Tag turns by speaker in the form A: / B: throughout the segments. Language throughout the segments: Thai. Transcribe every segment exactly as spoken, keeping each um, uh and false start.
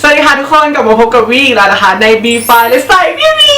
A: สวัสดีค่ะทุกคนกลับมาพบกับวีอีกแล้วนะคะใน บี ไฟว์ และสไตล์วีวี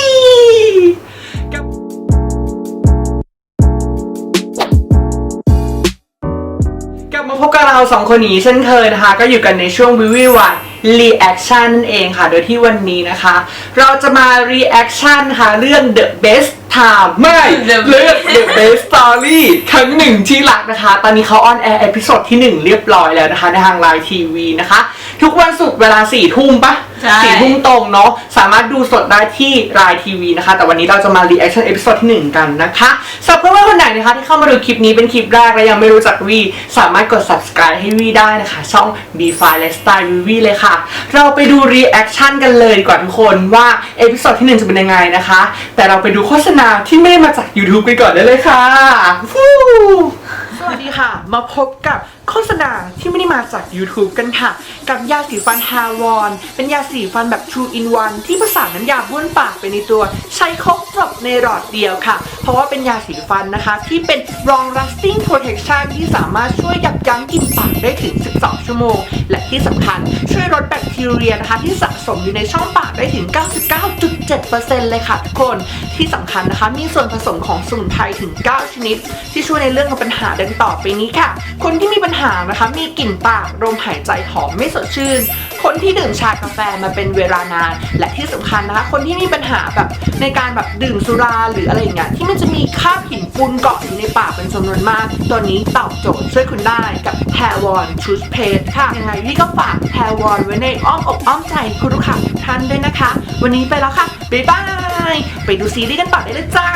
A: กลับมาพบกับเราสองคนนี้เช่นเคยนะคะก็อยู่กันในช่วงวีวีวันรีแอคชั่นนั่นเองค่ะโดยที่วันนี้นะคะเราจะมารีแอคชั่นค่ะเรื่อง The Best Time ไม่เรื่อง The Best Story ครั้งหนึ่งที่รักนะคะตอนนี้เขาออนแอร์เอพิโซดที่หนึ่งเรียบร้อยแล้วนะคะในทางไลน์ทีวีนะคะทุกวันศุกร์เวลาสี่ทุ่มปะสี่ทุ่มตรงเนาะสามารถดูสดได้ที่ไลน์ทีวีนะคะแต่วันนี้เราจะมารีแอคชั่นเอพิโซดที่หนึ่งกันนะคะสำหรับเพื่อนๆคนไหนนะคะที่เข้ามาดูคลิปนี้เป็นคลิปแรกและยังไม่รู้จักวีสามารถกด ซับสไครบ์ ให้วีได้นะคะช่อง บี ไฟว์ และสไตล์วีเลยค่ะเราไปดูรีแอคชั่นกันเลยดีกว่าทุกคนว่าเอพิโซดที่หนึ่งจะเป็นยังไงนะคะแต่เราไปดูโฆษณาที่ไม่ได้มาจาก YouTube กันก่อนได้เลยค่ะสวัสดีค่ะมาพบกับโฆษณาที่ไม่ได้มาจาก YouTube กันค่ะกับยาสีฟัน Hairwon เป็นยาสีฟันแบบ True in One ที่ผสานน้ำยาบ้วนปากไปในตัวใช้ครบจบในหลอดเดียวค่ะเพราะว่าเป็นยาสีฟันนะคะที่เป็น Long Lasting Protection ที่สามารถช่วยยับยั้งกลิ่นปากได้ถึงสิบสองชั่วโมงและที่สำคัญช่วยลดแบคทีเรียนะคะที่สะสมอยู่ในช่องปากได้ถึง เก้าสิบเก้าจุดเจ็ดเปอร์เซ็นต์ เลยค่ะทุกคนที่สำคัญนะคะมีส่วนผสมของสมุนไพรถึงเก้าชนิดที่ช่วยในเรื่องของปัญหาดังต่อไปนี้ค่ะคนที่มีปัญหานะคะมีกลิ่นปากลมหายใจหอมไม่สดชื่นคนที่ดื่มชากาแฟมาเป็นเวลานานและที่สำคัญนะคะคนที่มีปัญหาแบบในการแบบดื่มสุราหรืออะไรอย่างเงี้ยที่มันจะมีคราบหินปูนเกาะอยู่ในปากเป็นจำนวนมากตัวนี้ตอบโจทย์ช่วยคุณได้กับ Hairwon Toothpaste ค่ะยังไงพี่ก็ฝาก Hairwon ไว้ในอ้อมอกอ้อมใจคุณลูกค้าทุกท่านด้วยนะคะวันนี้ไปแล้วค่ะบ๊ายบายไปดูซีรีส์กันต่อได้เลยจ้า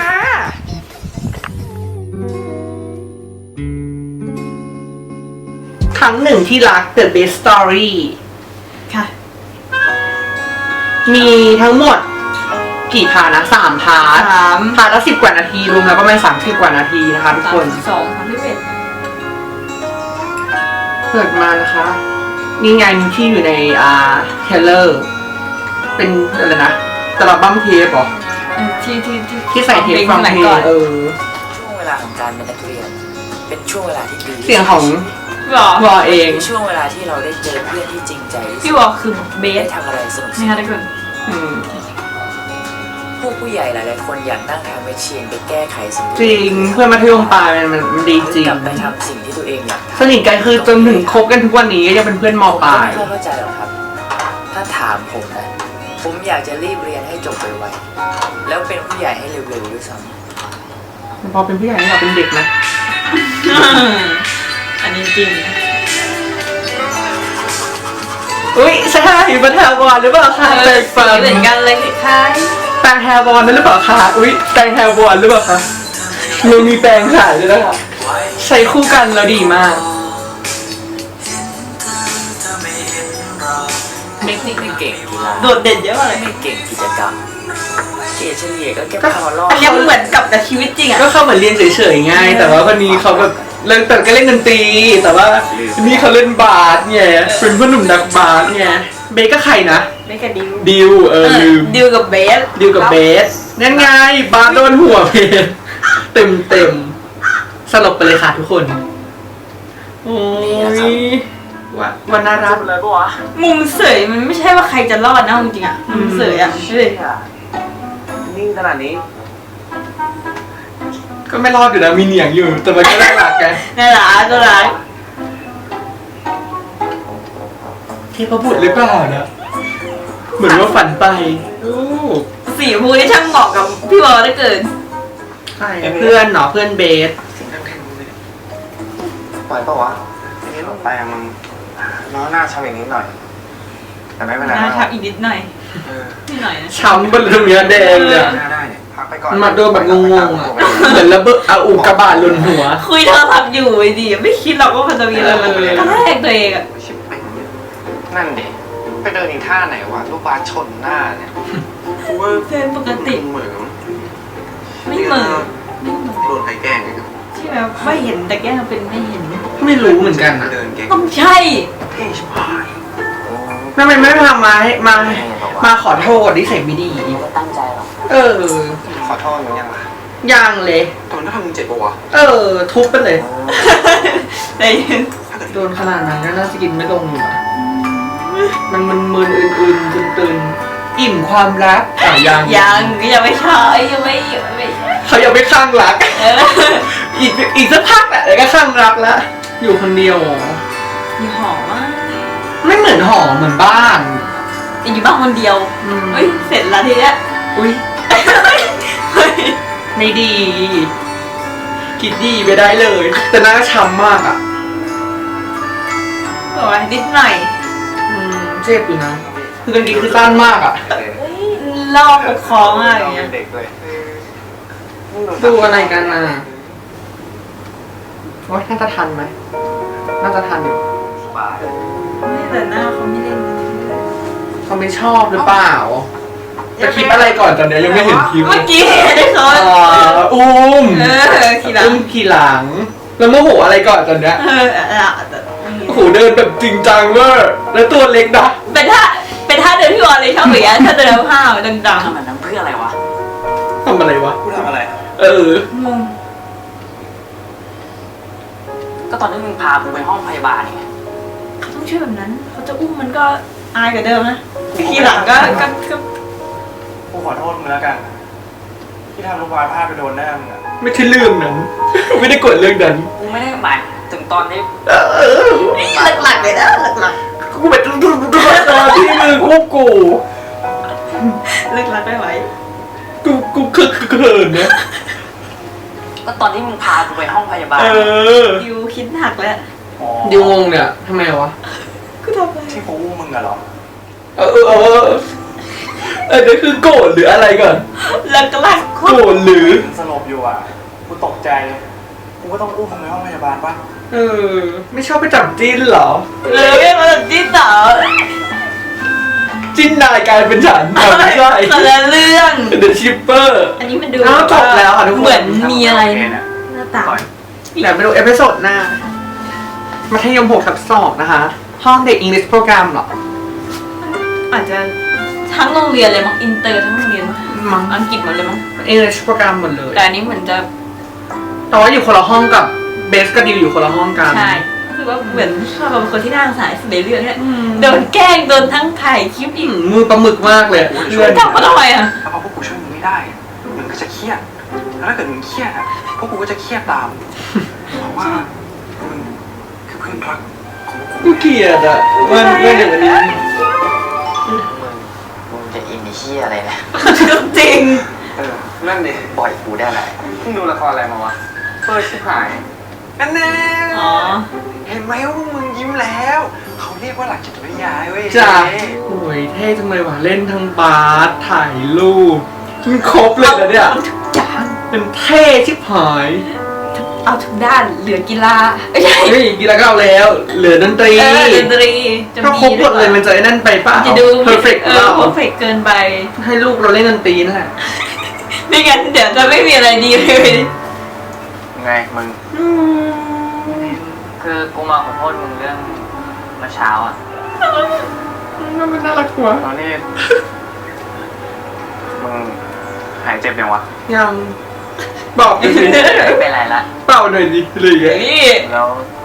A: ครั้งหนึ่งที่รัก The Best Story ค่ะมีทั้งหมดกี่พาร์ทนะสามพาร์ทสามพาร์ทละสิบกว่านาทีรวมแล้วก็ประมาณสามสิบกว่านาทีนะคะทุกคน
B: สองสามสิบเอ็ด
A: เปิดมานะคะนี่ไงที่อยู่ในอ่าเทเลอร์เป็นอะไรนะตลับบั้มเทปเหรอ
B: ที่ที่ที่
A: ที่ใส่เทปฟังเพลงเออ
C: ช่วงเวลาของการเป็นนักเรียนเป็นช่วงเวลาที่ดี
A: เสียงของวอเอง
C: ช่วงเวลาที่เราได้เจอเพื่อนที่จริงใจ
B: พี่วอคือเบส
C: ทำอะไรสนุก
B: ๆนะคะทุกคน
C: ผู้ผู้ใหญ่หลายๆคนอยากนั่งทำไปเชียนไปแก้ไขสิ่ง
A: จริงเพื่อนมัธยมปลายมันมันดีจริง
C: กลับไปทำสิ่งที่ตัวเองอยาก
A: สนิทกันคือจนถึงคบกันทุกวันนี้ก็ยังเป็นเพื่อนมปลาย
C: ไม่เข้าใจหรอกครับถ้าถามผมนะผมอยากจะรีบเรียนให้จบไวๆแล้วเป็นผู้ใหญ่ให้เร็วๆด้วยซ้
A: ำพอเป็นผู้ใหญ่เราเป็นเด็กนะ
B: อันนี้จริง
A: อุ้ยใช่เป็นแฮร์วอนหรือเปล่าคะแปรงฟัน
B: เหมือนกันเลยคล้าย
A: แปรงแฮร์วอนนั่นหรือเปล่าคะอุ้ยแปรงแฮร์วอนหรือเปล่าคะเรามีแปรงขายด้วยนะคะใช้คู่กันแล้วดีมาก
C: ไม่ไม่เก่งกีฬา
B: โดดเด่นเยอะเลย
C: ไม่เก่งกิจกรรมเกรดเฉลี่ยก็แค่พอรอด
B: อันนี้เหมือนกับในชีวิตจริงอ่ะ
A: ก็เข้าเหมือนเรียนเฉยๆไงแต่ว่าคนนี้เขาแบบเล่นแต่ก็เล่นดนตรีแต่ว่านี่เขาเล่นบาสไงเป็นพ่อหนุ่มนักบาสไงเบสก็ใครนะ
B: เบสกับดิว
A: ดิวเออ
B: ดิวกับเบส
A: ดิวกับเบสนั่นไงบาสโดนหัวเบสเต็มเต็มสลบไปเลยค่ะทุกคนโอ้ยว่าวันน่ารักเลยปะวะ
B: มุมเสยมันไม่ใช่ว่าใครจะรอดนะจริงๆอ่ะมุมเสยอ่ะเฮ้ย
C: นิ่งขนาดนี้
A: ก็ไม่รอดอยู่นะมีเหนียงอยู่แต่มันก็น่ารักไง
B: น่ารักก็รัก
A: เทพบุตรหรือเปล่านะเหมือนว่าฝันไป
B: สีชมพูที่ช่างเหมาะกับพี่บอลได้เกิน
A: ใช่เพื่อนเนาะเพื่อนเบส
D: ปล่อยปะวะทีนี้ลงไปมันน้องหน้าช้ำอย่างนี้หน่อยแต่ไม่เป็นไร
B: หน้าช้ำอีกนิดหน่อยนิดหน่อยนะ
A: ช้ำบนเรือแดงเลยมาโดนแบบงงๆอ่ะเหมือนระเบิดเอาอุกกาบาตหล่นหัว
B: คุยโทรศัพท์อยู่ไอ้ดิไม่คิดหรอกว่ามันจะมีอะไรมันกระแทกตัวเองอ่ะ
D: นั่นดิไปเดินอีกท่าไหนวะลูกบาสชนหน้าเนี่ย
B: กูว่าเส้นปกติ
D: เหมือน
B: ไม่เหมือน
D: โดนใครแกล้ง
B: ใช่ไหมไม่เห็นแต่แกล้งเป็นไม่เห็น
A: ไม่รู้เหมือนกันนะ
B: ต้องใช่
A: ทำไมไม่ทำมาให้มามาขอโทษที่ใส่ไม่ดี
C: ไม่ตั้งใจหรอก
A: เออ
D: ขอโทษมึงยังล่ะ
A: ยังเลย
D: ตอนนั้นทำมึงเจ็บปะวะ
A: เออทุบไปเลย
B: ได้
A: โดนขนาดนั้นก็น่าจะกินไม่ลงอยู่มันมึนมึนๆอื่นๆตื่นๆอิ่มความรักอ่ะยัง
B: ยังยังไม่ใช่ยังไม่ยังไม่ใช่
A: เขายังไม่ข้างรัก
B: เออ
A: อีกอีกสักพักแหละเดี๋ยวก็ข้างรักแล้วอยู่คนเดียวเหรอ
B: อยู่หอมาก
A: ไม่เหมือนหอเหมือนบ้าน
B: อยู่บ้านคนเดียว
A: อืม
B: เฮ้ยเสร็จแล้วทีเนี้ย
A: อุ้ย
B: เฮ้ย
A: ไม่ดี คิดดีไปได้เลย แต่หน้าช้ำมากอ่ะ
B: บอกว่านิดหน่อย
A: อืมเจ็บอยู่นะ คือกางเกงคือสั้นมากอ่ะ
B: เฮ้ยลอกปกครองมากอย่าง
D: เรา
B: เงี้
D: เป็
B: ย
D: นเด็กด้วย
A: ดูอะไรกันน่ะว่าน่าจะทันไหม น่าจะทันอยู่
D: สบาย
B: ไม่แต่หน้าเขาไม่เล่นเลย
A: เขาไม่ชอบหรือเปล่า จะคลิปอะไรก่อนตอนเนี้ยยังไม่เห็นคลิปเล
B: เมื่อย กี้ได้เขา
A: อ่าอุ้ม
B: เออทีหลัง
A: อุ้มขี่หลัง แล้วโมโหอะไรก่อนตอนเนี้ย
B: เออเออแต่
A: โอ้โหเดินแบบจริงจังเวอร์แล้วตัวเล็กนะ
B: เป็นท่าเป็นท่าเดินที่วอลเลยชอบอย่างเงี้ยถ้าเดินห้าวดัง
C: ทำแบบนั้นเพื่ออะไรวะ
A: ทำอะไรวะ
D: กูทำอะไร
A: เออ
B: ๆงง
C: ก็ตอนที่มึงพากูไปห้องพยาบาลไง
B: เขาต้องช่วยแบบนั้นเขาจะอุ้มมันก็อายกว่าเดิมนะทีหลังก็ก็ก็
D: กูขอโทษมึงแล้วกัน ที่ทำลูกวาพลาดไปโดนหน้ามึงอะ
A: ไม่ใช่เรื่องนั้น ไม่ได้กดเรื่องนั้น
C: กูไม่ได้หมายถึงตอนที่
A: เออ
B: หลักๆเลยนะหลัก
A: กูเป็นตัวตัวที่มือควบกู
B: ๆเลิกรักไม่ไหว
A: กูกูคือเขินนะ
C: ก็ตอนที่มึงพากูไปห้องพยาบาล
A: เออ
B: ดิวคิดหนักแล้ว
D: อ๋อ
A: ดิวงงเนี่ยทำไมวะ
B: กูทำอะไร
D: ที่กูอู้มึงอะเหรอ
A: เออเออเออเออนี่คือโกรธหรืออะไรก่อน
B: เลิกรักโค
A: โกร
B: ตร
A: ธหรือ
D: มึงสลบอยู่อ่ะ กูตกใจ กูก็ต้องอู้มึงในห้องพยาบาลปะ
A: เออ ไม่ชอบไปจับจิ้นเหรอ
B: เลยไม่มาจากที่สาว
A: จิ้นนายกลายเป็นฉันอ่ะไม่ใช่
B: คนละเรื่อง
A: เดอะชิปเปอร์
B: อันนี้มันดู
A: อ้าวจบแล้วค่ะทุกคน
B: เหมือนมีอะไร
D: โเคเนี่ย
B: หน้าตา
D: ก่อน
A: เดี๋ยวไปดูเอพิโซดหน้า มัธยมหกทับสองนะคะ ห้องเด็กอังกฤษโปรแกรมเหรอ
B: อาจจะทั้งโรงเรียนเลยมั้งอินเตอร์ทั้งโรงเรียนมั้ง
A: มั้ง
B: อังกฤษหมดเลยมั้ง
A: อังกฤษโปรแกรมหมดเลย
B: แต่อันนี้เหมือนจะ
A: แต่ว่าอยู่คนละห้องกับเบสกับดิวอยู่คนละห้องกัน
B: ใช่คือว่าเหมือนชอบเป็นคนที่น่าสงสารสุดในเรื่องเนี่ย
A: อืม
B: โดนแกล้งโดนทั้งถ่ายคลิปอี
A: อื
B: ก
A: มมือปลาหมึกมากเลยเพื่อน
B: ทำเขาทำไมอ่ะ
D: ถ้าพวกกูช่วยมึงไม่ได้ มึงก็จะเครียด แล้วถ้าเกิดมึงเครียดอ่ะ พวกกูก็จะเครียดตาม เพราะว่ามึงคือเพื่อนรักของพวกกู
A: กูเกลียดอ่ะมันไม่อย่างนี้
C: มึงมึงจะอินดิเชียอะไรเนี่ย
B: จริง
D: เออ นั่นดิ
C: ปล่อยกูได้ไหม
D: เพิ่งดูละครอะไรมาวะเปิดชิบหาย นั่นแน่
B: อ๋อ
D: เห็นไหมว่าพวกมึงยิ้มแล้ว เขาเรียกว่าหลักจิตวิทยาเว้ย
A: จ้ะ
D: เฮ้ย
A: โอ้ยเท่จังเลยว่ะเล่นทั้งบาสถ่ายรูปมันครบเลยนะเนี่ย
B: อาทุกอย่าง
A: เป็นเท่ชิบหาย
B: เอาทุกด้านเหลือกีฬาไม่ใช่
A: เฮ้ยกีฬาก็เอาแล้ว เหลือดนตรี
B: เออดนตรีจะ
A: ถ้า
B: มี
A: ครบหมดเลยมันจะไอ้นั่นไปป่ะ
B: จะดู
A: เพอร์เฟกต์
B: เออ
A: เรา
B: เพอร์เฟกเกินไป
A: ให้ลูกเราเล่นดนตรีนั่นแหละ
B: ไม่งั้นเดี๋ยวจะไม่มีอะไรดีเลย
D: ไงมึง
C: คือกูมาขอโทษมึงเรื่องเมื่อเช้าอ่ะ
A: มันน่ารักกว่า
D: ตอนนี้ มึงหายเจ็บยังวะ
A: ยังบอกดิ
C: ไม่เป็นไรละ
A: เป่าหน่อยดิอะไรอย่างเงี้ย
B: นี่
D: แล้ว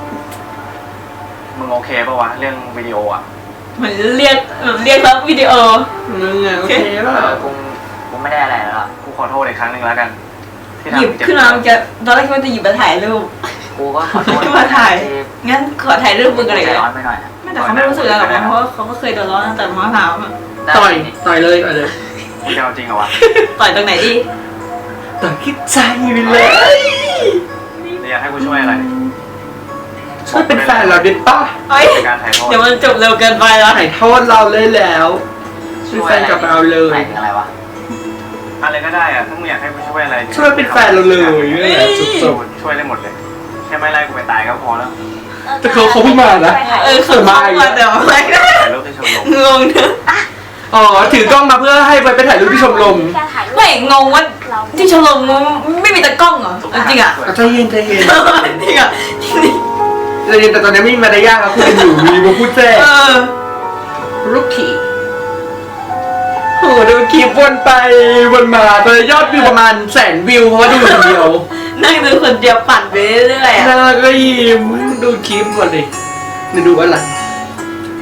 D: มึงโอเคปะวะ เรื่องวิดีโออ่ะ
B: เหมือนเรียกแบบเรียกรับวิดีโอ
A: มึงอะโอเค
C: เอ
A: ป่ะ
C: อกูกูไม่ได้อะไรแล้วอะ
D: กูขอโทษอีกครั้งหนึ่งแล้วกัน ที่
B: หยิบ
D: ทำเจ็บ
B: ขึ้นมามันจะตอนแรกคิดว่าจะหยิบมาถ่ายรูป
C: กูก็ขอโทษ
B: ขึ้นมาถ่าย
C: ที่
B: งั้นขอถ่ายรูปมึงอะไร
C: ใจ
B: กัน
C: ร้อนไปหน่อยอะ
B: ไม่แต่เขาไม่รู้สึกอะไรหรอกนะเพราะว่าเขาก็เคยโดนล้อตั้งแต่มะพร้าวอะ
C: ได้
A: ต่อยต่อยเลยต่อยเลย
D: มึงจะเอาจริงเหรอวะ
B: ต่อยตรงไหนดี
A: ต่อยคิดใจไปเลย
D: นี่อยากให้กูช่วยอะไร
A: ช่วยเป็นแฟนเราดิป่ะ
B: เฮ้ย
D: ในการถ่ายทอด
B: เดี๋ยวมันจบเร็วเกินไปแล้ว
A: ถ่ายโทษเราเลยแล้วเป็นแฟนกับเราเล
C: หมาย ยถึงอะไรวะ
D: อะไรก็ได้อะถ้ามึงอยากให้กูช่วยอะไร
A: ช่วยเป็นแฟนเราเลยนี่แหละจบ
D: ช่วยได้หมดเลย แค่ไม่ไล่กูไปตายก็พอแล้ว
A: ๆแต่เขาเขาเพิ่งมานะ
B: เออเขาเข้ามาแต่ว่าไม่ได้
D: ถ่ายรูปที่ชมรม
B: งงเนอะ
A: อ๋อถือกล้องมาเพื่อให้ไปไปถ่ายรูปที่ชมรม
B: ไม่งงว่าที่ชมรมไม่มีตะกล้องเหรอจริงอ่ะ
A: ใจเย็นใจเย็น
B: จริงอ่ะจริง
A: ใจเย็นแต่ตอนนี้ไม่มีมารยาทแล้วคุยกันอยู่มีมาพูดแทรก
B: เออ
A: รุกขี่โหดูคลิปวนไปวนมาตอนนี้ยอดวิวประมาณแสนวิวเพราะว่าดูคนเดียว
B: นั่งดูคนเดียวปั่นไปเรื่อยๆอ่ะ
A: น่าก็ยิ้มดูคลิปก่อนดิเดี๋ยวดูอะไร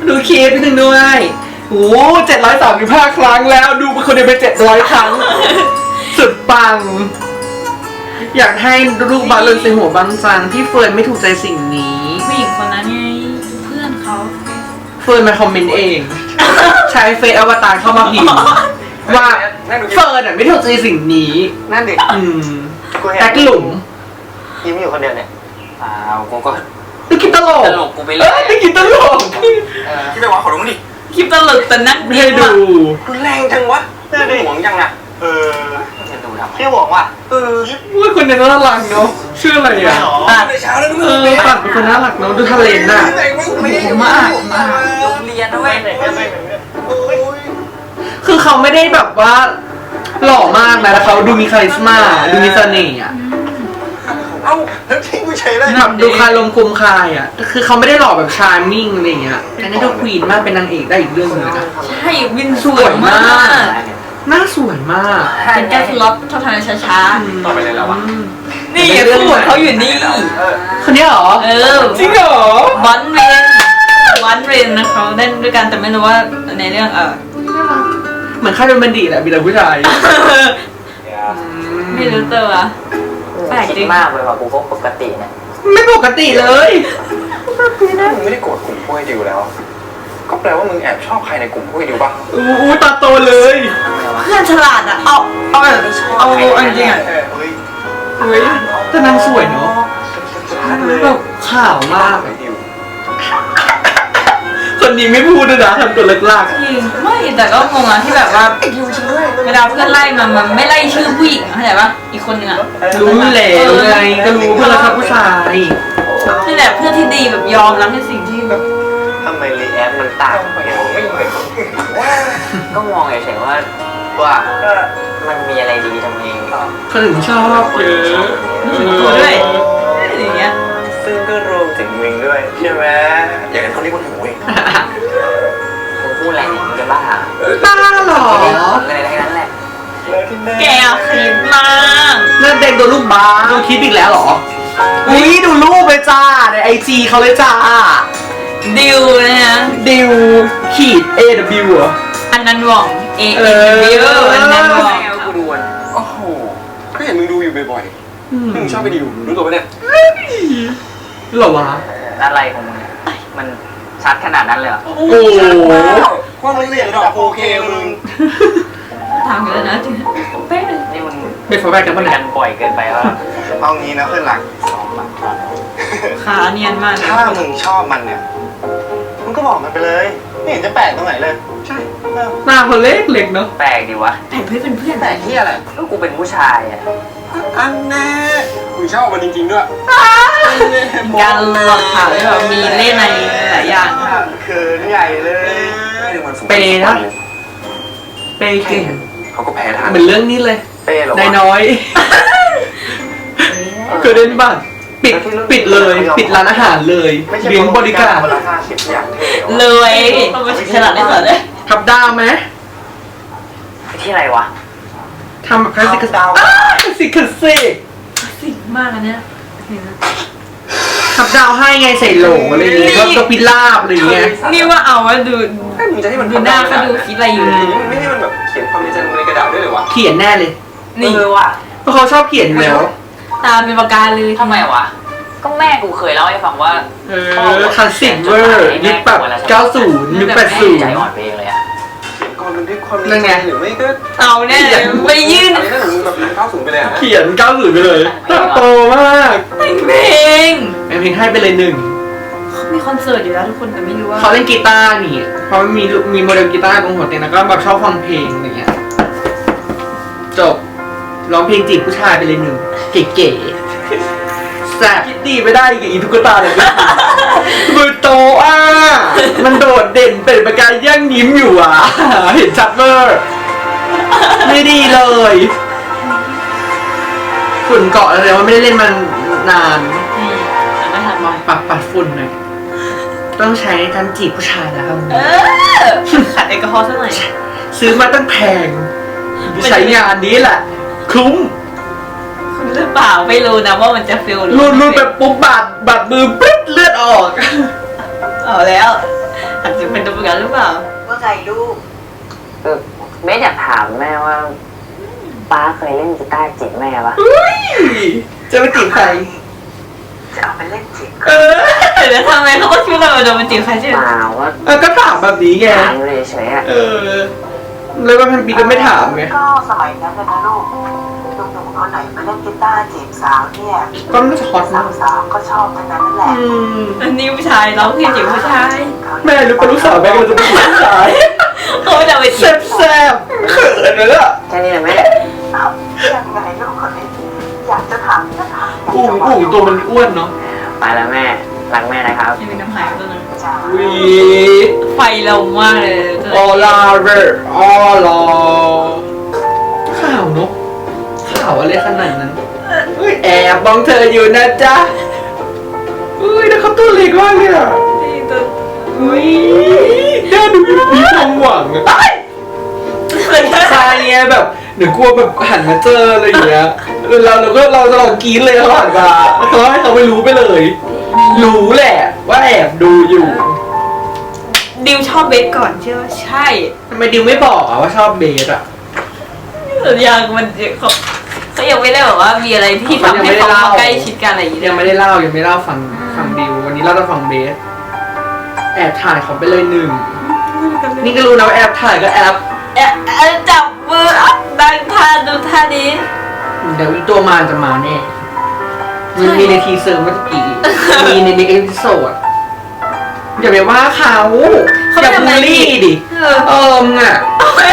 A: ดูคลิปนิดนึงด้วยโอ้เจ็ดร้อยสามสิบห้าครั้งแล้วดูเป็นคนเดียวไปเจ็ดร้อยครั้ง สุดปัง อยากให้ลูกบาสเลยใส่หัวบางจังพี่เฟิร์นไม่ถูกใจสิ่งนี้
B: ผู้หญิงคนนั้นไงเพื่อนเขา
A: เฟิร์นมาคอมเมนต์เอง ใช้เฟซอวตารเข้ามาพิมพ์ว่าเฟิร์นอ่ะไม่ถูกใจสิ่งนี้
D: นั่นดิ
A: อืม
D: กูเห็น
A: แท็กหลุม
D: ยิ้มอยู่คนเดียวเนี่ยอ้าวกูก็
A: ดูคิดตลก
C: ตลกกูไปเล
A: เอ้
C: ย
A: ยดูคิดตลก
D: ที่ไปวะขอรู้มั้งดิ
B: คลิปตลกแต่นั่ง
A: ไม่ให้ดู
D: รุนแรงจังวะหวงยังอ่ะเออ
C: จะดูทำไม
D: พี่หวงว่ะเออ
A: ว่าคนนี้น่ารักเนาะชื่ออะไรอ่ะ
D: ตัดเช้าแล้ว
A: เออปัดเป็นคนน่ารักเนาะดูทะเลน่ะ
B: มากมาก
C: โรงเรียนด้วย
A: คือเขาไม่ได้แบบว่าหล่อมากนะแล้วเขาดูมีคาลิสมาดูมีเสน่ห์อ่ะ
D: เอ้าแล้วทิ้งกูเฉยเลย
A: แบบดูคายลมคมคายอ่ะคือเขาไม่ได้หล่อแบบชาร์มมิ่งอะไรอย่างเงี้ยแต่นี่ดูควีนมากเป็นนางเอกได้อีกเรื่องหนึงนะ
B: ใช่วินสวยมาก
A: หน้าสวยมาก
B: เป็นแก้สล็อตเท่าทางช้า
D: ต่อไปเลยแล้ววะ
A: อืม
B: ๆนี่คู่ของเขาอยู่นี่
D: เออ
A: คนนี้เหรอ
B: เออ
A: จริงเหรอ
B: วันเรนวันเรนนะเขาเล่นด้วยกันแต่ไม่รู้ว่าในเรื่องเออ
A: เหมือนค่ายเป็นบันดีแหละมีแต่ผู้ชาย
B: ไม่รู้ตัวแปลกจริง
C: มากเลยว่ะกูก็ปกติเนี่ย
A: ไม่ปกติเลย
D: มึงไม่ได้โกรธกลุ่มพวกไอ้ดิวแล้ว ก็แปลว่ามึงแอบชอบใครในกลุ่มพวกไอ้ดิวปะ
A: อู้ตาโตเลย
B: เพื่อนฉลาดอ่ะเอาเอาแบบเอาเอาจริงอ่ะ
D: เออเฮ้ย
A: เฮ้ยแต่นางสวยเนาะ
D: ชัดเลย
A: แบบขาวมาก
D: ไอ้ดิว
A: คนนี้ไม่พูดด้วยนะทำตัวเล็กลาก
B: จริงไม่แต่ก็งงอ่ะที่แบบว่าเวลาเพื่อนไล่มันมันไม่ไล่ชื่อผู้หญิงเข้าใจปะอีกคนนึงอ่ะ
A: รู้อยู่แล้วไงก็รู้เพื่อนรักผู้ชาย
B: นี่แหละเพื่อนที่ดีแบบยอมรับในสิ่งที่แบบ
C: ทำไมรีแอคมันต่างกัน
D: ไม่เหมือน
C: ก็มองเฉยๆว่า
D: ว่า
C: มันมีอะไรดีทำไม
A: คนอื่นชอบเยอะ
B: ตัวด้วยอย่างเงี้ย
D: ซึ่งก็รวมถึงมึงด้วยใช่ไหมอย่างนั้นเขาเรียกว่าหนูเอง
C: มึงพูดอะไรเนี่ยมึงจะบ้า
A: บ้าเหรอ
C: ไม่ได้ผลอะไรทั้งนั้นแหละ
B: แกคิดมาก
A: นั่นเด็กโดนลูกบ้าดูคลิปอีกแล้วเหรออุ้ยดูรูปเลยจ้าในไอจีเขาเลยจ้า
B: ดิวนะฮะ
A: ดิวขีด เอ ดับเบิลยู เหรอ
B: อันนั้นหว่อง A
A: เอ
B: N
A: อ
B: W อันนั้นหว่อง
D: กูดูอ่ะโอ้โหก็เห็นมึงดูอยู่บ่อยๆมึงชอบไปดิวรู้ตัวปะเนี่ย
A: เหรอวะ
C: อะไรของมึงเนี่ยมันชัดขนาดนั้นเลยเหรอ
A: โอ้โห
D: ว่ามึงเรียนดอกโอเคมึง
B: ถามกันแล้วนะจริงเป๊ะเลย
C: นี่มึง
A: เป็นฟอร์แบกกันปะ
C: กั
A: เนี่ย
C: นบ่อยเกินไปว่า
D: เอางี้นะเพื่อนหลัก
B: ขาเนียนมาก
D: ถ้ามึงชอบมันเนี่ยมึงก็บอกมันไปเลยไม่เห็นจะแปลกตรงไหนเลยใช่
A: หน้าเขาเล็กเล็กเนาะ
C: แปลกดีวะ
B: แต่เพื่อนเป็นเพื่อน
D: แปลกที่อะไร
C: ก็กูเป็นผู้ชายอ่ะ
D: อันแน่มึงชอบมันจริงๆด้วย
B: การหลอกถามที่แบบมีเล่นในหลายอย่าง
D: เขินใหญ่เลย
A: เปย์นะเปย์เก่ง
D: เขาก็แพ้ทาง
A: เหมือนเรื่องนี้เลย
D: เป้หรอ
A: นายน้อยเคยเล่นบ้านปิดปิดเลย ปิดร้านอาหารเลยเลี้ยงบริการ
D: คนละห้าสิบอย่างเท่
B: เลยต้องมาฉลาดได้ก่อนเลย
A: ทับดาวไหม
C: ไปที่อะไรวะ
A: ทำแบบคลาสสิกดาวคลาสสิกคลาสสิก
B: สิ่งมากอันเนี้ย
A: ทับดาวให้ไงใส่โหลอะไรอย่างเงี้ยก็ก็พิลาบอะไรอย่างเงี้ย
B: นี่ว่าเอาว่าดู
D: มึงจะให้มัน
B: ดูหน้าเขาดูคิดอะไรอยู่
D: ไม่ให้มันแบบเขียนความในใจลงในกระดาษด้วยเหรอวะ
A: เขียนแน่เลย
B: นี่
C: เออว่ะ
A: เพราะเขาชอบเขียนอยู่แล้ว
B: ตาเป็นปากกาเลย
C: ทำไมวะ ก็แม่กูเคยเล่าให้ฟังว่า
A: เออคลาสสิกเวอร์ยุคแบบเก้าสิบยุคแปดสิบ
C: ใจอ่อนไปเองเลยอะ
D: เขียนก่อนมันด้วยความ
A: นั่นไง
D: หรือไม่ก็
B: เอาแน่ไปยื่น
D: อะไรนั่นหนูแบบเข้าสูงไปเลยนะ
A: เขียนเก้าสิบไปเลยตาโตมาก
B: แต่งเพลง
A: แม่เพลงให้ไปเลยหนึ่ง
B: เขามีคอนเสิร์ตอยู่แล้วทุกคนแต่ไม่รู้ว่า
A: เขาเล่นกีตาร์นี่เพราะมีมีโมเดลกีตาร์ตรงหัวเตียงแล้วก็แบบชอบฟังเพลงอะไรเงี้ยจบร้องเพลงจีบผู้ชายไปเลยหนึ่งเก๋ๆแซ่บคิดดีไม่ได้กับอีตุ๊กตาเลยมือโตอ่ะมันโดดเด่นเป็นประกายย่างยิ้มอยู่อ่ะเห็นชัดเวอร์ไม่ดีเลยฝุ่นเกาะเลยว่าไม่ได้เล่นมันนาน
B: อืมแต่ไม่ทัน
A: ลองปรับปัดฝุ่นหน่อยต้องใช้การจีบผู้ชายนะครับ
B: เออขัดแอลกอฮอล์สักหน่อย
A: ซื้อมาตั้งแพงใช้งานนี้แหละ คุ้ม
B: คุณหรือเปล่าไม่รู้นะว่ามันจะฟิล
A: รูดรูดแบบปุ๊บบาดบาดมือปึ๊ดเลือดออก
B: เอาแล้วอาจจะเป็นตัวประกันหรือเปล่า
E: ว่าไงลูก
F: เออเบสอยากถามแม่ว่าป้าเคยเล่นกีตาร์จีบแม่ปะ
A: จะไปจีบใคร
E: จะเอาไปเล่นจีบ
A: เออ
B: แล้วทำไมเขาก็คิดว่าเราจะมาจีบใครใช่ไหม
F: เปล่าว่า
A: เออก็ถามแบบนี้ไง
F: ถามเลยเฉยๆอะ
A: เออเลยว่าพันปีก็ไม่ถามไง
E: ก็สมัยนั้นนะลูกหนุ่มๆคนไหนมาเล่นกีตาร์จีบสาวเนี่ย
A: ก็ไม่ช็อต
E: สา
A: นะ
E: วสาวๆก็ชอบทั้งนั้นนั่นแหละ
A: อืม
B: อันนี้ผู้ชายร้องเพลงจีบผู้ชาย
A: แม่รู้ปะลูกสาวแม่ก็จะเป็นผู้ชาย
B: เขาจะไปจี
A: แซ่
B: บบ
A: แซ่บๆเขินเลยล่ะ
F: แค่นี้แหละแม่
E: เอ้ายังไงลูกคนนี้อยากจะถามก็ถามอยาก
A: อุ้ง
E: จะบ
A: อุ้งตัวมันอ้วนเนาะ
F: ไปแล้วแม่รักแม่นะครับ
B: ยังเป็นน้ำหายตัวนึง
E: จ้า
A: วี
B: ไฟเรามากเลย
A: ออลาเวอร์ออลาข่าวเนาะข่าวอะไรขนาดนั้นเฮ้ยแอบมองเธออยู่นะจ๊ะเฮ้ยแล้วเขาตัวเล็กมากเลยอ่ะ
B: นี่ตัว
A: อุ้ยน่าดูมีความหวังอะตายใช่ไงแบบเดี๋ยวกลัวแบบหันมาเจออะไรอย่างเงี้ยเออเราเราก็เราจะลองกรี๊ดเลยเขาหันมาเขาให้เขาไม่รู้ไปเลย รู้แหละว่าแอบดูอยู่
B: ดิวชอบเบสก่อนเชื่อว่าใช่
A: ทำไมดิวไม่บอกอะว่าชอบเบสอะ
B: สัญญามันเขาเขายังไม่ได้บอกว่ามีอะไรที่ทำให้เขามาใกล้ชิดกันอะไรอย่างเงี้ย
A: ยังไม่ได้เล่ายังไม่เล่าฟังฟังดิววันนี้เราจะฟังเบสแอบถ่ายเขาไปเลยหนึ่งนี่ก็รู้นะว่าแอบถ่ายก็แอบ
B: เอ๊ะเอ๊ะจับมืออ่ะดังท่าดูท่านี้
A: เดี๋ยวอีตัวมารจะมาแน่มันมีในทีเซอร์เมื่อกี้มีในในเอพิโซดอย่าไปว่าเขาอย่าบูลลี่ดิ
B: เออ
A: เอิมงอ่ะ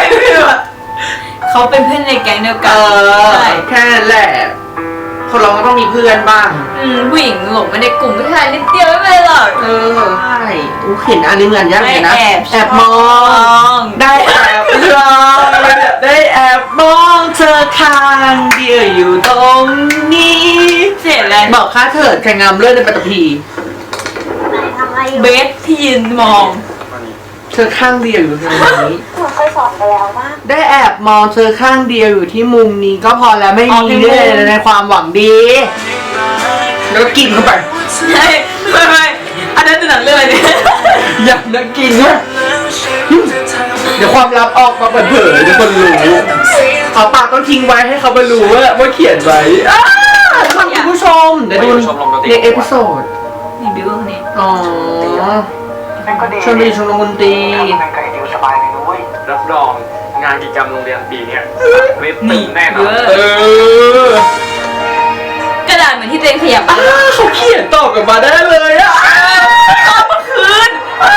B: เขาเป็นเพื่อนในแก๊งเดียว
A: เอ
B: กัน
A: อ
B: ใช่
A: แค่นั้นแหละคนเราก็ต้องมีเพื่อนบ้าง
B: อืมผู้หญิงหลงมาในกลุ่มผู้ชายนิดเดียวไม่เป็นไรหรอก
A: เออใช่อู้เห็นอันนี้เหมือนยังไงนะ
B: ได้แอบ
A: แอบมอ
B: ชอบ
A: ง ได้แอบมองได้แอบมองเธอข้างเดียวอยู่ตรงนี้
B: เสียอะไร
A: บอกค่าเถิดแข่งงามเลื่อนในปัตตภี
E: ทำอะไรอยู่
B: เบสที่ยืนมอง
A: เธอข้างเดียวอยู่ตรงนี้
E: หนูเคยสอนไปแล้วว่า
A: ได้แอบมองเธอข้างเดียวอยู่ที่มุมนี้ก็พอแล้วไม่
B: อ๋อ
A: มี
B: ที่มุม
A: เรื่องในความหวังดี แล้วก็กินเข้าไป
B: ใช่ไม่ไม่อันนั้นจะหนังเรื่องอะไรเนี่ย
A: อยากนักกินเนี่ยเดี๋ยวความลับออกมาเปิดเผยเดี๋ยวคนรู้เอาปากต้องทิ้งไว้ให้เขาไปรู้ว่าว่าเขียนไว้อ้าท่านผู้ชมเดี๋ยวดูในเอพิโซด
B: นี่บิวคนนี้
A: อ๋อ
E: นั่นก็ดี
A: ชวนไปชมรมดนตรี
E: ทำงานกับไอ้ดิวสบายเลยนะเว้ย
D: รับรองงานกิจกรรมโรงเรียนปีเนี้ยเว็บตึ
B: นี่
D: งแน่น
B: เย
D: อน
B: อะ
A: เออก
B: ระดาษเหมือนที่ตัวเองขยับ
A: อ้าเขาเขียนตอบกลับมาได้เลยอ่ะ
B: เอามาคืน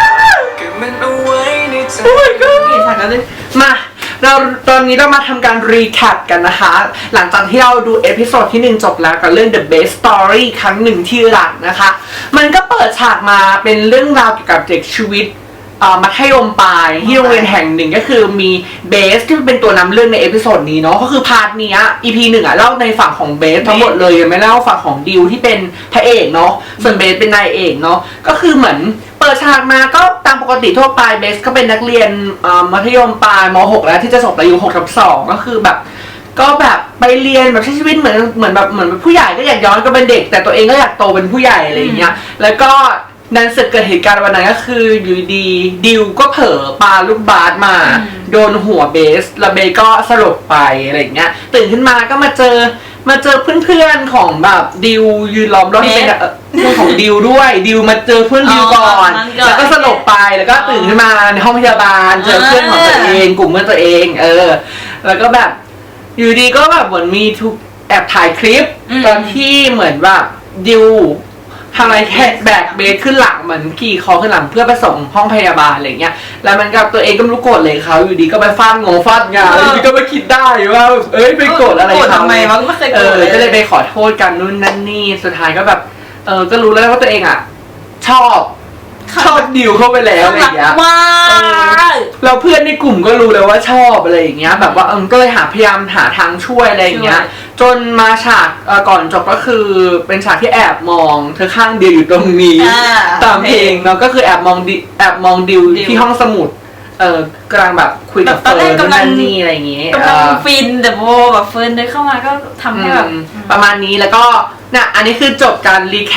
A: โอ้ยก็
B: นี่ฉากนั้นเลย
A: มาเราตอนนี้เรามาทำการรีแคปกันนะคะ หลังจากที่เราดูเอพิโซดที่หนึ่งจบแล้วกับเรื่อง The Best Story ครั้งหนึ่งที่รักนะคะ มันก็เปิดฉากมาเป็นเรื่องราวเกี่ยวกับเด็กชีวิตเอ่อมัธยมปลายที่โรงเรียนแห่งหนึ่งก็คือมีเบสที่เป็นตัวนำเรื่องในเอพิโซดนี้เนาะก็คือพาร์ทเนี้ย อี พี หนึ่งอะเล่าในฝั่งของเบสทั้งหมดเลยยังไม่เล่าฝั่งของดิวที่เป็นพระเอกเนาะส่วนเบสเป็นนายเอกเนาะก็คือเหมือนเปิดฉากมาก็ตามปกติทั่วไปเบสก็เป็นนักเรียนเอ่อมัธยมปลายม หก แล้วที่จะจบอายุหกทับสองก็คือแบบ ก็แบบไปเรียนแบบใช้ชีวิตเหมือนเหมือนแบบเหมือนผู้ใหญ่ก็อยากย้อนก็เป็นเด็ก แต่ตัวเองก็อยากโตเป็นผู้ใหญ่อะไรอย่างเงี้ยแล้วก็นั้นเสร็จเกิดเหตุการณ์วันนั้นก็คืออยู่ดีดิวก็เผลอปาลูกบาสมา โดนหัวเบสแล้วเบสก็สลบไปอะไรอย่างเงี้ยตื่นขึ้นมาก็มาเจอมาเจอเพื่อนๆของแบบดิวยืนล้อมรอบที่เป็นเอ่อเพื่อนของดิวด้วยดิวมาเจอเพื่อนดิวก่อน แล้วก็สลบไปแล้วก็ตื่นขึ้นมาในห้องพยาบาลเจอเพื่อนของตัวเองกลุ่มเพื่อนตัวเองเออแล้วก็แบบอยู่ดีก็แบบเหมือนมีทุกแอบถ่ายคลิป
B: อืม
A: ตอนที่เหมือนแบบดิวทำอะไรแค่แบกเบสขึ้นหลังเหมือนขี่คอขึ้นหลังเพื่อไปส่งห้องพยาบาลอะไรเงี้ยแล้วมันกับตัวเองก็ไม่รู้โกรธเลยเขาอยู่ดีก็ไปฟาดงงฟาดงานอยู่ดีก็ไปคิดได้ว่าแบบเอ้ยไปโกรธอะไร
B: โกรธ
A: เขา
B: ทำไมวะไม่เคย
A: เอ
B: โกรธ
A: อ
B: เลย
A: ก็เลยไปขอโทษกันนู่นนั่นนี่สุดท้ายก็แบบเออก็รู้แล้วว่าตัวเองอ่ะชอบชอบดิวเข้าไปแล้วอะไรอย่างเงี้ย
B: มาก
A: เราเพื่อนในกลุ่มก็รู้แล้วว่าชอบอะไรอย่างเงี้ยแบบว่าเออก็เลยหาพยายามหาทางช่วยอะไรอย่างเงี้ย จนมาฉากเอ่อก่อนจบก็คือเป็นฉากที่แอบมองเธอข้างเดียวอยู่ตรงนี้
B: อ่า
A: ตามเพลงเนาะก็คือแอบมองดิแอบมองดิว
B: ดิว
A: ที่ห้องสมุดเออกำลังแบบคุยกับ
B: ตอน
A: เฟิ
B: แร
A: ร์
B: ก
A: น
B: กำลัง
A: นั่นนี่อะไรอย่างเงี้ย
B: กำลัง
A: เออ
B: ฟินแต่พอแบบเฟิร์นเดินเข้ามาก็ทำให้แบบ
A: อืมประมาณนี้แล้วก็เนี่ยอันนี้คือจบการรีแคป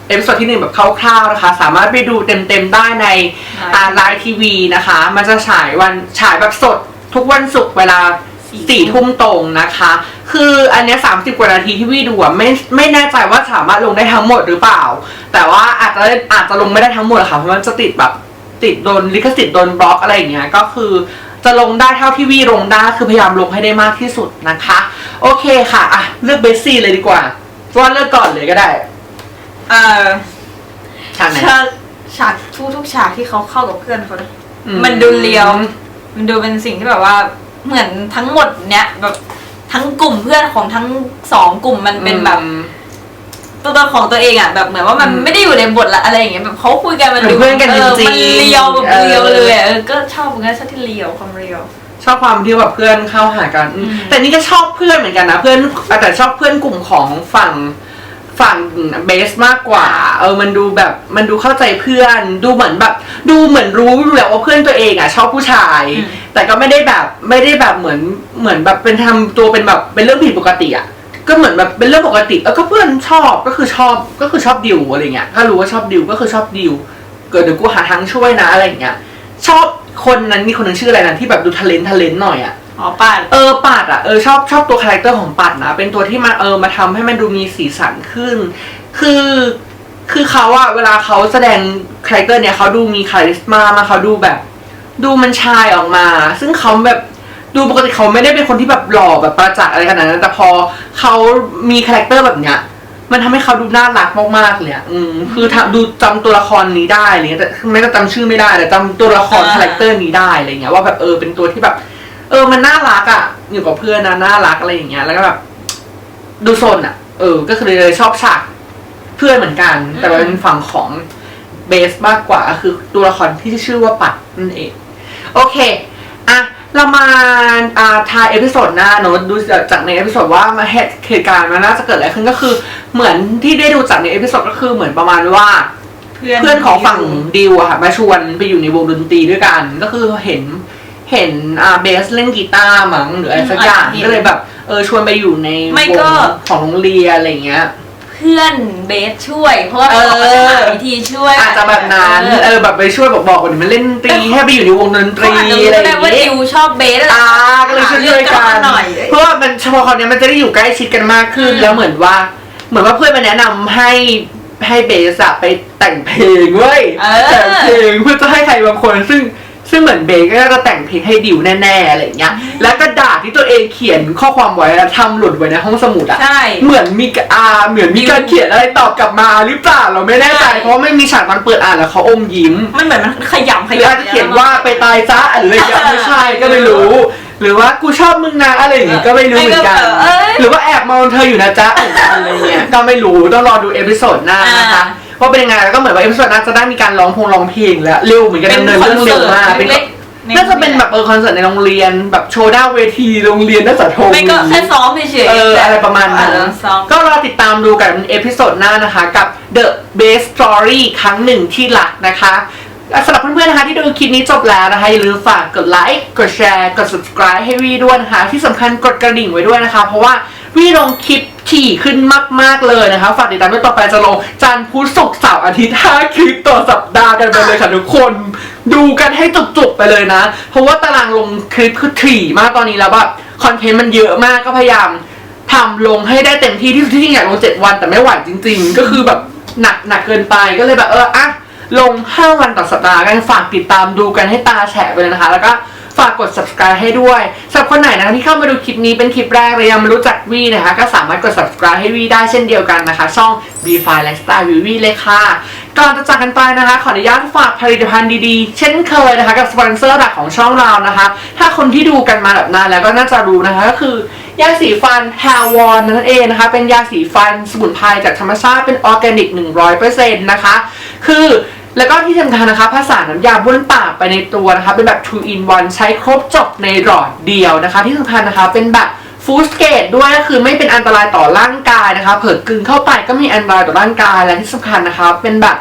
A: เอพิโซดที่หนึ่งแบบคร่าวๆนะคะสามารถไปดูเต็มๆได้ในอ่าไลน์ทีวีนะคะมันจะฉายวันฉายแบบสดทุกวันศุกร์เวลาสี่ทุ่มตรงนะคะคืออันเนี้ยสามสิบกว่านาทีที่วีดูอ่ะไม่ไม่แน่ใจว่าสามารถลงได้ทั้งหมดหรือเปล่าแต่ว่าอาจจะอาจจะลงไม่ได้ทั้งหมดค่ะเพราะมันจะติดแบบติดโดนลิขสิทธิ์โดนบล็อกอะไรอย่างเงี้ยก็คือจะลงได้เท่าที่วีลงได้คือพยายามลงให้ได้มากที่สุดนะคะโอเคค่ะอ่ะเลือกเบสซี่เลยดีกว่าว่าเลือกก่อนเลยก็ได้
B: เอ่อ
A: ฉากไหน
B: ฉากฉากทุกทุกฉากที่เขาเข้ากับเพื่อนเขาเลย
A: อืม
B: มันดูเรียว มันดูเป็นสิ่งที่แบบว่าเหมือนทั้งหมดเนี้ยแบบทั้งกลุ่มเพื่อนของทั้งสองกลุ่มมันเป็นแบบ
A: อืม
B: ตัวตนของตัวเองอ่ะแบบเหมือนว่ามัน
A: อืม
B: ไม่ได้อยู่ในบทละอะไรอย่างเงี้ยแบบเขาคุยกันมันดู
A: เหมือนเพื่อนกัน
B: เออ
A: จริงๆ
B: มันเรียวแบบ
A: เออ
B: เรียวเลยอะเออก็ชอบเหมือนกันชอบที่เรียวความเรียว
A: ชอบความที่แบบเพื่อนเข้าหากันอืม
B: อืม
A: แต่นี่ก็ชอบเพื่อนเหมือนกันนะเพื่อนแต่ชอบเพื่อนกลุ่มของฝั่งฝั่งเบสมากกว่าเออมันดูแบบมันดูเข้าใจเพื่อนดูเหมือนแบบ ดูเหมือนรู้อยู่แล้วว่าเพื่อนตัวเองอ่ะชอบผู้ชาย แต่ก็ไม่ได้แบบไม่ได้แบบเหมือนเหมือนแบบเป็นทำตัวเป็นแบบเป็นเรื่องผิดปกติอ่ะก็เหมือนแบบเป็นเรื่องปกติเออก็เพื่อนชอบก็คือชอบก็คือชอบดิวอะไรเงี้ยถ้ารู้ว่าชอบดิวก็คือชอบดิวเกิดเดี๋ยวกูหาทางช่วยนะอะไรเงี้ยชอบคนนั้นมีคนนึงชื่ออะไรนะที่แบบดูทะเลนทะเลนหน่อยอ่ะ
B: อ๋อป่าน
A: เออปัดอ่ะเออชอบชอบตัวคาแรคเตอร์ของปัดนะเป็นตัวที่มาเออมาทำให้มันดูมีสีสันขึ้น คือคือเขาอะเวลาเขาแสดงคาแรคเตอร์เนี่ยเขาดูมีคาริสมามาเขาดูแบบ ดูมันชายออกมา ซึ่งเขาแบบดูปกติเขาไม่ได้เป็นคนที่แบบหล่อแบบประจักษ์อะไรขนาดนั้นแต่พอเขามีคาแรคเตอร์แบบเนี้ยมันทำให้เขาดูน่ารักมากๆเลยอะอืมคือทำดูจำตัวละครนี้ได้อะไรเงี้ยแต่ไม่ได้จำชื่อไม่ได้แต่จำตัวละครคาแรคเตอร์นี้ได้อะไรเงี้ยว่าแบบเออเป็นตัวที่แบบ เออมันน่ารักอะอยู่กับเพื่อนนะน่ารักอะไรอย่างเงี้ยแล้วก็แบบดูโซนอะเออก็คือเลยชอบฉากเพื่อนเหมือนกัน แต่ว่าเป็นฝั่งของเบสมากกว่าคือตัวละครที่ชื่อว่าปัดนั่นเองโอเคอะเรามาอ่าทายเอพิโซดหน้าเนอะดูจากในเอพิโซดว่ามาเหตุเหตุการณ์มันน่าจะเกิดอะไรขึ้นก็คือเหมือนที่ได้ดูจากในเอพิโซดก็คือเหมือนประมาณว่า
B: เพื่อน
A: เพื่อนของฝั่งดิวอะค่ะมาชวนไปอยู่ในวงดนตรีด้วยกันก็คือเห็นเห็นอ่าเบสเล่นกีตาร์มั้งหรืออะไรสักอย่างก็เลยแบบเออชวนไปอยู่ในวงของโรงเรียนอะไรเงี้ย
B: เพื่อนเบสช่วยเพราะว่า
A: เออ
B: เขาจะหาวิธีช่วย
A: อาจจะแบบนั้นเออแบบไปช่วยบอกบอกว่ามันเล่นดนตรีให้ไปอยู่ในวงดนตรี
B: เขาอาจจะ
A: อะไร
B: รู้
A: อ
B: ได้
A: ย่าง
B: ว่า
A: เงี้
B: ดิ
A: ยว
B: ชอบเบสอะไร
A: อ่าก็เลยช่วยช่วยกัน
B: หน่อย
A: เพราะว่ามันเฉพาะคนนี้มันจะได้อยู่ใกล้ชิดกันมากขึ้น
B: อืม
A: แล้วเหมือนว่า เหมือนว่าเพื่อนมาแนะนำให้ให้เบสอะไปแต่งเพลงเว้ย
B: เออ
A: แต่งเพลงเพื่อจะให้ใครบางคนซึ่งซึ่งเหมือนเบสก็จะแต่งเพลงให้ดิวแน่ๆอะไรอย่างเงี้ยแล้วกระดาษที่ตัวเองเขียนข้อความไว้แล้วทำหล่นไว้ในห้องสมุดอะ
B: ใช่
A: เหมือนมีกอ่าเหมือนมีการเขียนอะไรตอบกลับมาหรือเปล่าเราไม่แน่ใจ
B: ใช่
A: เพราะว่าไม่มีฉากมันเปิดอ่านแล้วเขาอมยิ้ม
B: มันเหมือนมันขยำข
A: หรืออาจ
B: ยำ
A: จะเขียนว่าไปตายซะหรืออะไรอย่างเงี้ยไม่ใช่ก็ไม่รู้ หรือว่ากูชอบมึงนะอะไรอย่างงี้ก็ไม่รู้เหมือนกัน
B: เอ้ย
A: หรือว่าแอบมองเธออยู่นะจ๊ะอะไรเงี้ยก็ไม่รู้ต้องรอดูเอพิโซดหน้านะคะ
B: อ่า
A: ว่าเป็นยังไงแล้วก็เหมือนว่าเอพิโซดหน้าจะได้มีการร้องพงร้องเพลงแล้วเร็วเหมือนกันดำเนินเรื่องเร็วมากเป็น
B: เล็กๆ
A: น่าจะเป็นแบบเออคอนเสิร์ตในโรงเรียนแบบโชว์หน้าเวทีโรงเรียนน่าจะโทร
B: ไม่ก็แค่ซ้อมเฉยๆ
A: เอออะไรประมาณนั้น
B: เออซ้อม
A: ก็รอติดตามดูกันเอพิโซดหน้านะคะกับ The Best Story ครั้งหนึ่งที่รักนะคะสำหรับเพื่อนๆนะคะที่ดูคลิปนี้จบแล้วนะคะอย่าลืมฝากกดไลค์กดแชร์กด subscribe ให้วีด้วยนะคะที่สำคัญกดกระดิ่งไว้ด้วยนะคะเพราะว่าวีลงคลิปถี่ขึ้นมากๆเลยนะคะฝากติดตามด้วยต่อไปจะลงจันทร์พุธศุกร์เสาร์อาทิตย์ห้าคลิปต่อสัปดาห์กันไปเลยค่ะทุกคนดูกันให้จุกๆไปเลยนะเพราะว่าตารางลงคลิปคือถี่มากตอนนี้แล้วแบบคอนเทนต์มันเยอะมากก็พยายามทำลงให้ได้เต็มที่ที่สุดที่จริงอยากลงเจ็ดวันแต่ไม่ไหวจริงๆก็คือแบบหนักหนักเกินไปก็เลยแบบเอออะลงห้าวันต่อสัปดาห์กันฝากติดตามดูกันให้ตาแฉะไปเลยนะคะแล้วก็ฝากกด subscribe ให้ด้วยสำหรับคนไหนนะคะที่เข้ามาดูคลิปนี้เป็นคลิปแรกเลยยังไม่รู้จักวีนะคะก็สามารถกด subscribe ให้วีได้เช่นเดียวกันนะคะช่อง บี ไฟว์ Lifestyle วีวีเลยค่ะก่อนจะจากกันไปนะคะขออนุญาตฝากผลิตภัณฑ์ดีๆเช่นเคยนะคะกับสปอนเซอร์หลักของช่องเรานะคะถ้าคนที่ดูกันมาแบบนานแล้วก็น่าจะรู้นะคะก็คือยาสีฟัน Hair Wand นั่นเองนะคะเป็นยาสีฟันสมุนไพรจากธรรมชาติเป็นออร์แกนิก หนึ่งร้อยเปอร์เซ็นต์ นะคะคือแล้วก็ที่สำคัญนะคะผสานน้ำยาบ้วนปากไปในตัวนะคะเป็นแบบ two in one ใช้ครบจบในหลอดเดียวนะคะที่สำคัญนะคะเป็นแบบฟู้ดเกรดด้วยก็คือไม่เป็นอันตรายต่อร่างกายนะคะเผิดกลืนเข้าไปก็มีอันตรายต่อร่างกายและที่สำคัญนะคะเป็นแบบ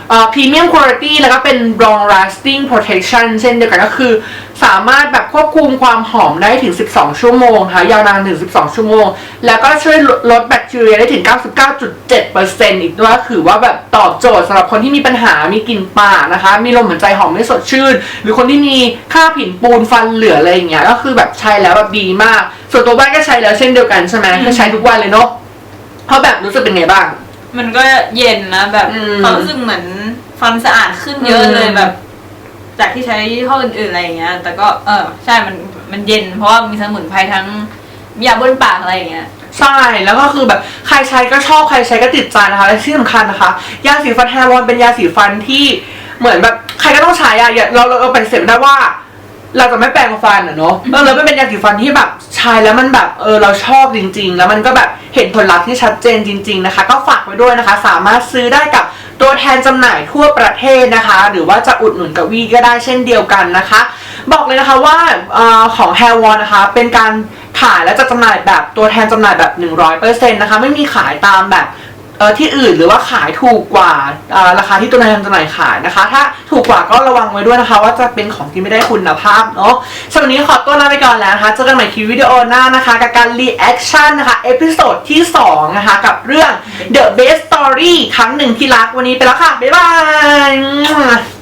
A: พรีเมียมคุณภาพแล้วก็เป็น long lasting protection เช่นเดียวกันก็คือสามารถแบบควบคุมความหอมได้ถึงสิบสองชั่วโมงค่ะยาวนานถึงสิบสองชั่วโมงแล้วก็ช่วยลดแบคทีเรียได้ถึง เก้าสิบเก้าจุดเจ็ดเปอร์เซ็นต์ อีกด้วยคือว่าแบบตอบโจทย์สำหรับคนที่มีปัญหามีกลิ่นปากนะคะมีลมหายใจหอมไม่สดชื่นหรือคนที่มีค่าผิวปูนฟันเหลืออะไรอย่างเงี้ยก็คือแบบใช้แล้วแบบดีมากส่วนตัวบ้านก็ใช้แล้วเช่นเดียวกันใช่ไหมก็ใช้ทุกวันเลยเนาะเพราะแบบรู้สึกเป็นไงบ้าง
B: มันก็เย็นนะแบบความรู้สึกเหมือนฟันสะอาดขึ้นเยอะเลยแบบ จากที่ใช้ยี่ห้ออื่นๆอะไรอย่างเงี้ยแต่ก็เออใช่มันมันเย็นเพราะว่ามีสมุนไพรทั้งยาบนปากอะไรอย่างเงี้ย
A: ใช่แล้วก็คือแบบใครใช้ก็ชอบใครใช้ก็ติดใจนะคะและที่สำคัญนะคะยาสีฟันแฮร์วอนเป็นยาสีฟันที่เหมือนแบบใครก็ต้องใช้อะเราเราเราปฏิเสธไม่ได้ว่าเราจะไม่แปรงฟันอะเนาะเออแล้วมันเป็นยาสีฟันที่แบบใช้แล้วมันแบบเออเราชอบจริงๆแล้วมันก็แบบเห็นผลลัพธ์ที่ชัดเจนจริงๆนะคะก็ฝากไว้ด้วยนะคะสามารถซื้อได้กับตัวแทนจำหน่ายทั่วประเทศนะคะหรือว่าจะอุดหนุนกับวีก็ได้เช่นเดียวกันนะคะบอกเลยนะคะว่าเอ่อของ Hair Won นะคะเป็นการขายและจัดจำหน่ายแบบตัวแทนจำหน่ายแบบ หนึ่งร้อยเปอร์เซ็นต์ นะคะไม่มีขายตามแบบเออที่อื่นหรือว่าขายถูกกว่าราคาที่ตัวแทนจำหน่ายขายนะคะถ้าถูกกว่าก็ระวังไว้ด้วยนะคะว่าจะเป็นของที่ไม่ได้คุณภาพเนาะสำหรับวันนี้ขอตัวลาไปก่อนแล้วนะคะเจอกันใหม่คลิปวิดีโอหน้านะคะกับการ reaction นะคะเอพิโซดที่สองนะคะกับเรื่อง The Best Story ครั้งหนึ่งที่รักวันนี้ไปแล้วค่ะบ๊ายบาย